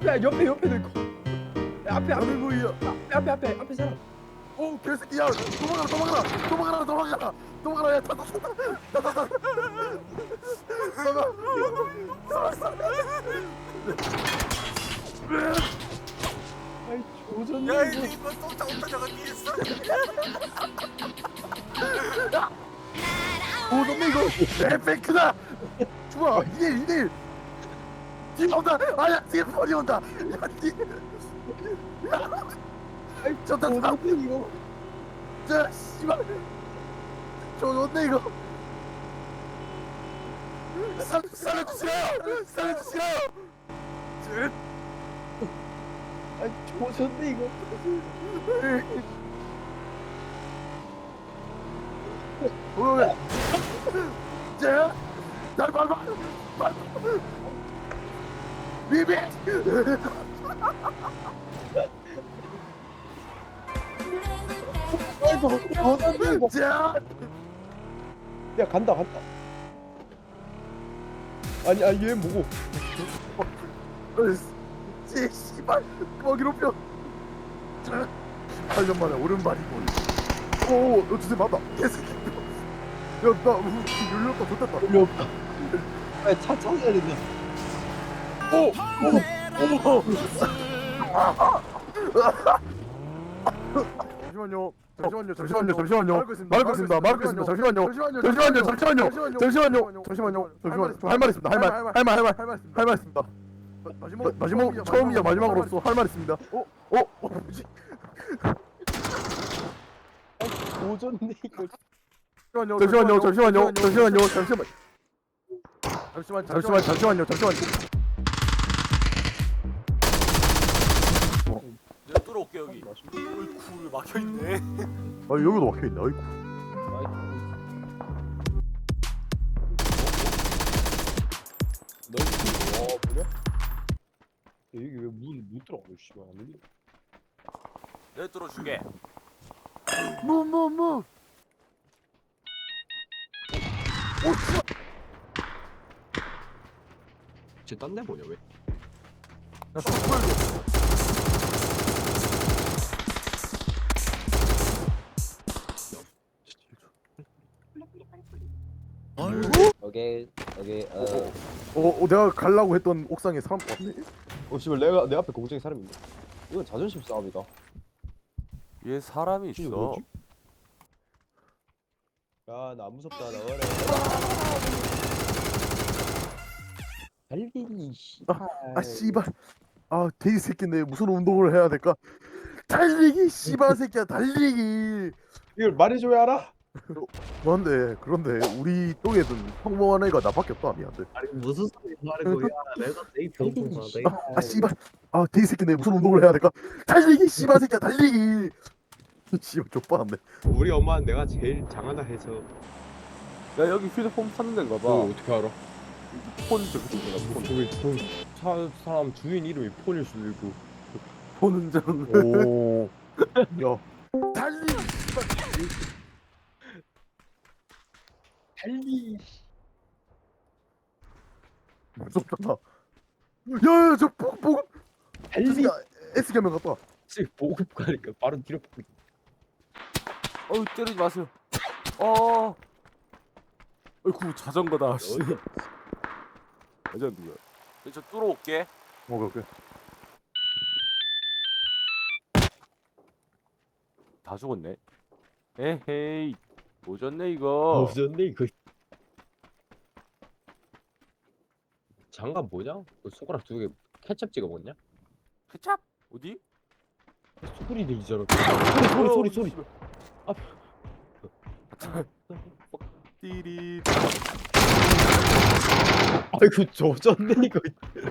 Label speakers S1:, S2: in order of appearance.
S1: 야 옆에도 있고. 야, 앞에
S2: 아니 뭐야?
S1: 앞에 사람.
S2: 오 개새끼야! 도망가라! 야 타타.
S1: 아이 조졌네.
S3: 야
S1: 이거.
S3: 이거 쫓아오다가 뒤에서.
S2: 도전네 이거 에펙트다. 좋아 2대1 뒤에 온다. 아야 뒤에 펄이 온다. 야 뒤에.
S1: 아이
S2: 저다
S1: 조졌네 이거.
S2: 자 씨발. 좋네 이거. 살려주세요.
S1: 아이 조졌네 이거.
S2: 왜? 자, 날 밟아. 비비.
S1: 아이 조졌네 이거.
S2: 자,
S1: 야 간다. 아니 얘 뭐고?
S2: 씨발 먹이로 펴. 18년 만에 오른발이고. 오, 너 주제 맞다. 개새끼. 야, 나 열렸다. 좋겠다.
S1: 별로 없다. 아차 찾아야 된다.
S2: 오. 잠시만요. 말고 있습니다. 잠시만요. 할 말 있습니다. 할 말 있습니다. 마지막 처음이자 마지막으로서 할 말 있습니다. 뭐지?
S1: 조졌네 이거.
S2: 잠시만요.
S3: 내가 뚫어올게 여기. 어이쿠 막혀있네.
S2: 아 여기도 막혀 있네. 아이고.
S1: 너 뭐냐? 여기 왜문 들어가? 씨발 안 열려.
S3: 내가 뚫어줄게.
S2: 무.
S1: 쟤딴데 뭐냐 왜?
S4: 오케이
S2: 내가 가려고 했던 옥상에 사람 왔네.
S1: 씨발 내 앞에 공중에 사람이 있네. 이건 자존심 싸움이다.
S3: 얘 사람이
S1: 이게
S3: 있어.
S1: 뭐지? 야 나 안 무섭다 나와라. 달리기 씨발.
S2: 아 씨발. 아 돼지 새끼인데 무슨 운동을 해야 될까? 달리기 씨발 새끼야 달리기.
S1: 이걸 말해줘야 알아?
S2: 그런데 우리 쪽에는 평범한 애가 나밖에 없다. 미안해.
S4: 아니 무슨 소리 하는 거야 내가 제일 평범하대
S2: 아 씨발. 아 돼지 새끼인데 무슨 운동을 해야 될까? 달리기 씨발 새끼야 달리기. 씨발 족발한데.
S5: 우리 엄마는 내가 제일 장하다 해서.
S3: 야 여기 휴대폰 파는 데인가 봐.
S5: 너 어떻게 알아?
S3: 폰 저기 있잖아. 폰.
S5: 저기 사람 주인 이름이 폰일 수도 있고.
S2: 보는 장.
S1: 오.
S2: 야. 달리기 씨발.
S1: 달리.
S2: 무섭다. 야야 저 보급.
S1: 달리.
S2: S 겸명 갔다.
S5: 지금 보급 가니까 바로 뒤로 보급.
S3: 어우 때리지 마세요. 어이구 자전거다. 씨. 레전드야. 저 뚫어올게.
S2: 오케이.
S3: 다 죽었네. 에헤이. 오졌네 이거.
S5: 없었네 이거. 장갑 뭐냐? 그 손가락 2개 케첩 찍어 먹냐?
S3: 케찹? 어디?
S5: 소리 들리잖아. 소리.
S3: 띠리.
S5: 아이고 조졌네 이거.